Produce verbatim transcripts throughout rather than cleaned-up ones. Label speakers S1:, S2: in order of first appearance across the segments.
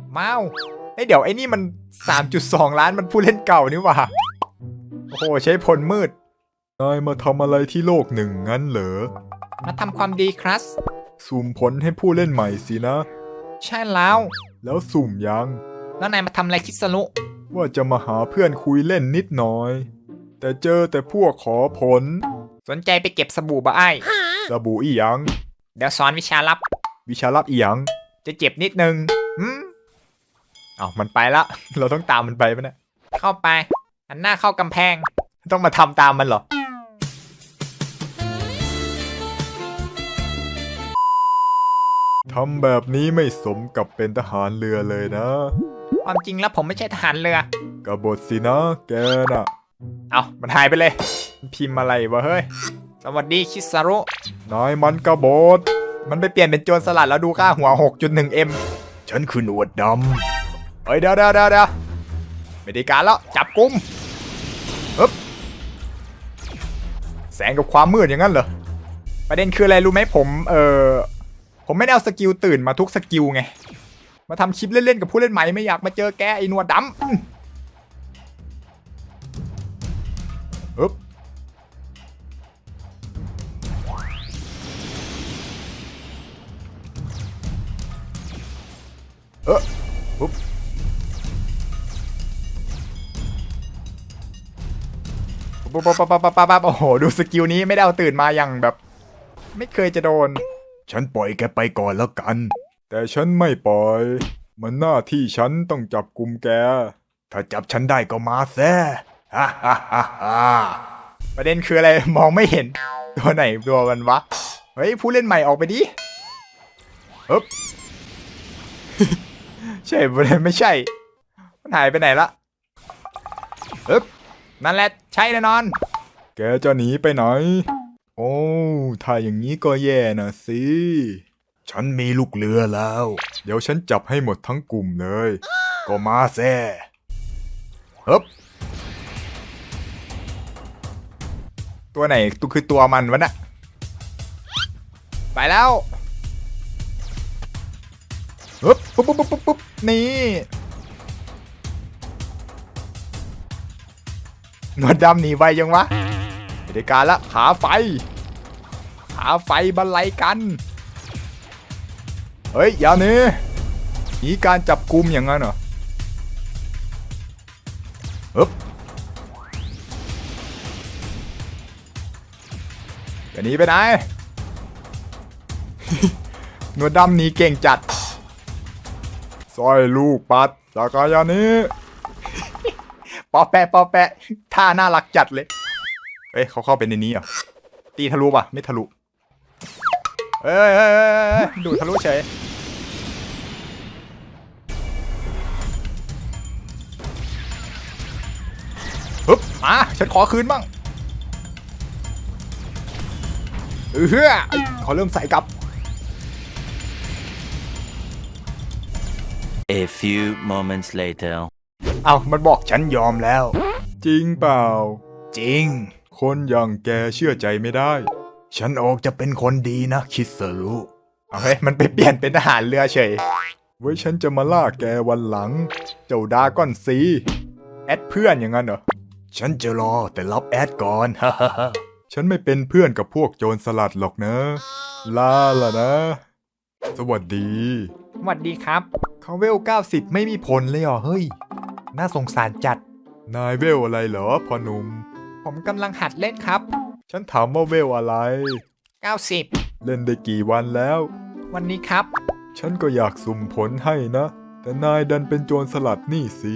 S1: ม้าวไอเดี๋ยวไอ้นี่มัน สามจุดสอง ล้านมันผู้เล่นเก่านี่หว่าโอ้โหใช้ผลมืดนายมาทำอะไรที่โลกหนึ่งงั้นเหรอมาทำความดีครับสุ่มผลให้ผู้เล่นใหม่สินะใช่แล้วแล้วสุ่มยังแล้วนายมาทำอะไรคิสรุว่าจะมาหาเพื่อนคุยเล่นนิดหน่อยแต่เจอแต่พวกขอผลสนใจไปเก็บสบู่บ่ไอ้สบู่อีหยังเดี๋ยวสอนวิชาลับวิชาลับอีหยังจะเจ็บนิดนึงอืมอ้าวมันไปละเราต้องตามมันไปปะเนี่ยเข้าไปหันหน้าเข้ากำแพงต้องมาทำตามมันเหรอทำแบบนี้ไม่สมกับเป็นทหารเรือเลยนะความจริงแล้วผมไม่ใช่ทหารเรือกบฏสินะแกน่ะเอามันหายไปเลยพิมพ์อะไรวะเฮ้ยสวัสดีคิสารุนายมันกบฏมันไปเปลี่ยนเป็นโจรสลัดแล้วดูค่าหัว หกจุดหนึ่ง เอ็ม ฉันคือหนวดดำเฮ้ยเดี๋ยวเดี๋ยวเดี๋ยวเดี๋ยวไม่ได้การแล้วจับกุมฮึบแสงกับความมืดอย่างนั้นเหรอประเด็นคืออะไรรู้ไหมผมเออผมไม่ได้เอาสกิลตื่นมาทุกสกิลไงมาทำคลิปเล่นๆกับผู้เล่นใหม่ไม่อยากมาเจอแกไอ้หนวดดำฮึบเออฮึบปั๊บปั๊บปั๊บปั๊บปั๊บโอ้โหดูสกิลนี้ไม่ได้เอาตื่นมาอย่างแบบไม่เคยจะโดนฉันปล่อยแกไปก่อนแล้วกันแต่ฉันไม่ปล่อยมันหน้าที่ฉันต้องจับกุมแกถ้าจับฉันได้ก็มาแซ่ฮ่าฮ่าฮ่าฮ่าประเด็นคืออะไรมองไม่เห็นตัวไหนตัวมันวะเฮ้ยผู้เล่นใหม่ออกไปดิฮึบ ใช่ประเด็นไม่ใช่มันหายไปไหนละฮึบนั่นแหละใช่แน่นอนแกจะหนีไปไหนโอ้ถ้าอย่างนี้ก็แย่นะสิฉันมีลูกเรือแล้วเดี๋ยวฉันจับให้หมดทั้งกลุ่มเลยก็มาแซ่ฮึบตัวไหนตัวคือตัวมันวะน่ะไปแล้วฮึบปุ๊บปุ๊บปุ๊บปุ๊บนี่หนวดดำหนีไวยังวะเดี๋ยวการละขาไฟขาไฟบรรลัยกันเฮ้ยอย่าหนีหนีการจับกุมอย่างนั้นเหรอฮึบจะหนีไปไหน หนวดดำหนีเก่งจัดสร้อยลูกปัดจากรยานนี้ ปอแปะปอแปะท่าน่ารักจัดเลยเอ้ยเขาเข้าไปในนี้เหรอตีทะลุป่ะไม่ทะลุเอ้ยดูทะลุเฉยฮึบมาฉันขอคืนบ้างเออเฮ้ยเขาเริ่มใส่กลับ
S2: A few moments later
S1: เอามันบอกฉันยอมแล้วจริงเปล่าจริงคนอย่างแกเชื่อใจไม่ได้ฉันออกจะเป็นคนดีนะคิสรุเอาเฮ้ยมันไปเปลี่ยนเป็นทหารเรือเฉยไว้ฉันจะมาล่าแกวันหลังเจ้าดาก้อนซีแอดเพื่อนอย่างนั้นเหรอฉันจะรอแต่รับแอดก่อนฮ่าฮ่าฮ่าฉันไม่เป็นเพื่อนกับพวกโจรสลัดหรอกนะลาล่ะนะสวัสดีสวัสดีครับเขาเวลเก้าสิบไม่มีผลเลยเหรอเฮ้ยน่าสงสารจัดนายเวลอะไรเหรอพ่อหนุ่มผมกำลังหัดเล่นครับฉันถามว่าเวลอะไรเก้าสิบเล่นได้กี่วันแล้ววันนี้ครับฉันก็อยากสุ่มผลให้นะแต่นายดันเป็นโจรสลัดนี่สิ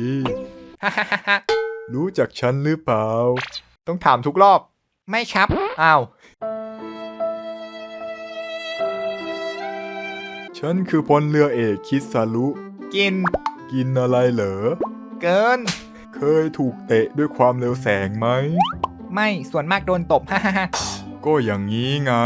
S1: รู้จักฉันหรือเปล่าต้องถามทุกรอบไม่ครับอ้าวฉันคือพลเรือเอกคิสารุกินกินอะไรเหรอเกินเคยถูกเตะด้วยความเร็วแสงไหมไม่ส่วนมากโดนตบ ฮ่าฮ่าก็อย่างนี้ไง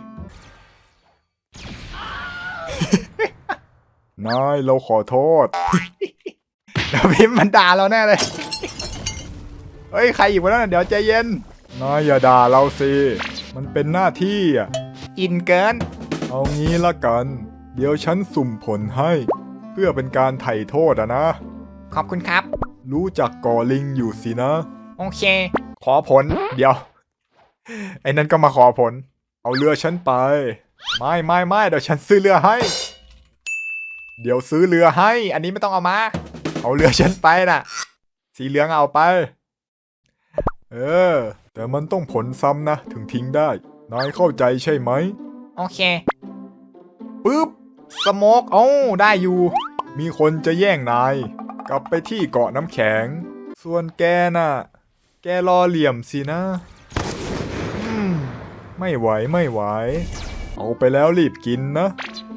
S1: นายเราขอโทษ แล้วพิมพ์มันด่าเราแน่เลย เฮ้ยใครอีกวะนั่นเดี๋ยวใจเย็นนายอย่าด่าเราสิมันเป็นหน้าที่อ่ะอินเกินเอางี้ละกันเดี๋ยวฉันสุ่มผลให้เพื่อเป็นการไถ่โทษอะนะ
S3: ขอบคุณครับ
S1: รู้จักกอลิงอยู่สินะ
S3: โอเค
S1: ขอผล เดี๋ยว ไอ้นั่นก็มาขอผล เอาเรือฉันไป ไม่ไม่ไม่เดี๋ยวฉันซื้อเรือให้ เดี๋ยวซื้อเรือให้ อันนี้ไม่ต้องเอามา เอาเรือฉันไปน่ะ สีเหลืองเอาไป เออ แต่มันต้องผลซ้ำนะ ถึงทิ้งได้ นายเข้าใจใช่ไหม
S3: โอเค
S1: ปึ๊บ สโมกเอ้าได้อยู่ มีคนจะแย่งนาย กลับไปที่เกาะน้ำแข็ง ส่วนแกน่ะ แกรอเหลี่ยมสินะ อืม ไม่ไหวไม่ไหว เอาไปแล้วรีบกินนะ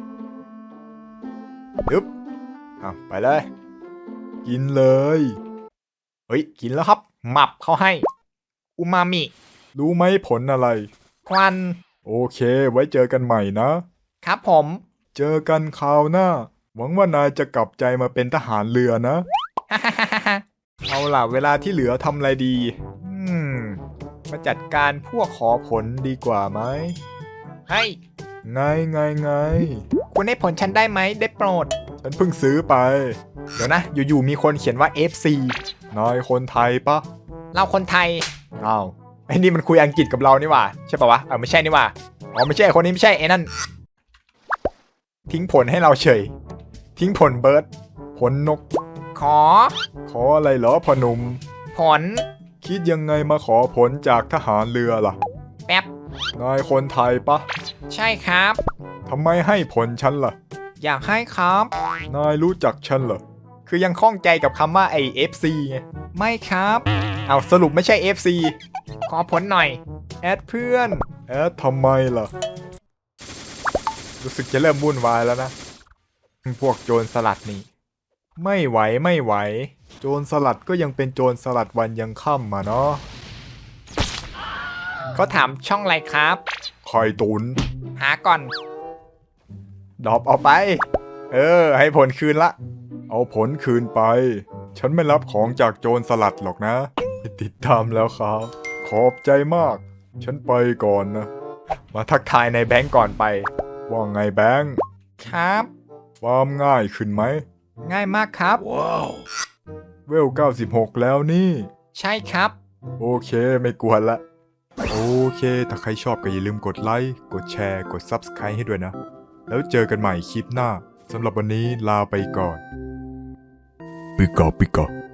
S1: ยึบอ่ะไปเลย กินเลย เฮ้ย กินแล้วครับ
S3: หมับเขาให้ อูมามิ
S1: รู้ไหมผลอะไร
S3: ควัน
S1: โอเค ไว้เจอกันใหม่นะ
S3: ครับผม
S1: เจอกันคราวหน้า หวังว่านายจะกลับใจมาเป็นทหารเรือนะ
S3: ฮ่าฮ่าฮ่าฮ่า
S1: เอาล่ะเวลาที่เหลือทำอะไรดี อืม มาจัดการพวกขอผลดีกว่าไหม
S3: เฮ้ย
S1: ไงไงไง
S3: คุณให้ผลฉันได้ไหม ได้โปรด
S1: ฉันเพิ่งซื้อไป
S3: เดี๋ยวนะ อยู่ๆมีคนเขียนว่า เอฟ ซี
S1: นายคนไทยปะ
S3: เราคนไทย
S1: อ้าว
S3: ไอ้นี่มันคุยอังกฤษกับเรานี่หว่า ใช่ปะวะ เออไม่ใช่นี่หว่า อ๋อไม่ใช่คนนี้ไม่ใช่ไอ้นั่น
S1: ทิ้งผลให้เราเฉย ทิ้งผลเบิร์ด ผลนก
S3: ขอ
S1: ขออะไรเหรอพอหนุม
S3: ผล
S1: คิดยังไงมาขอผลจากทหารเรือล่ะ
S3: แป๊บ
S1: นายคนไทยปะ
S3: ใช่ครับ
S1: ทำไมให้ผลฉันล่ะ
S3: อยากให้ครับ
S1: นายรู้จักฉันเหรอ
S3: คือยังข้องใจกับคำว่าไอ เอฟ ซี ไง ไม่ครับ เอาสรุปไม่ใช่ เอฟ ซี ขอผลหน่อย
S1: แอดเพื่อน แอดทำไมล่ะ รู้สึกจะเริ่มวุ่นวายแล้วนะ พวกโจรสลัดนี่ ไม่ไหวไม่ไหว โจรสลัดก็ยังเป็นโจรสลัดวันยังค่ำมาเนาะ
S3: เขาถามช่องอะไรครับ
S1: ไข่ตุน
S3: หาก่อน
S1: ดรอปเอาไป เออ ให้ผลคืนละ เอาผลคืนไป ฉันไม่รับของจากโจรสลัดหรอกนะ ติดตามแล้วครับ ขอบใจมาก ฉันไปก่อนนะ มาทักทายในแบงก์ก่อนไป ว่าไงแบงก์
S3: ครับ
S1: ความง่ายขึ้นไหม
S3: ง่ายมากครับ
S1: เวลเก้าสิบหกแล้วนี่
S3: ใช่ครับ
S1: โอเคไม่กวนละ โอเค ถ้าใครชอบก็อย่าลืมกดไลค์ กดแชร์ กด ซับสไครบ์ ให้ด้วยนะ แล้วเจอกันใหม่คลิปหน้า สำหรับวันนี้ลาไปก่อน ปิกาปิกา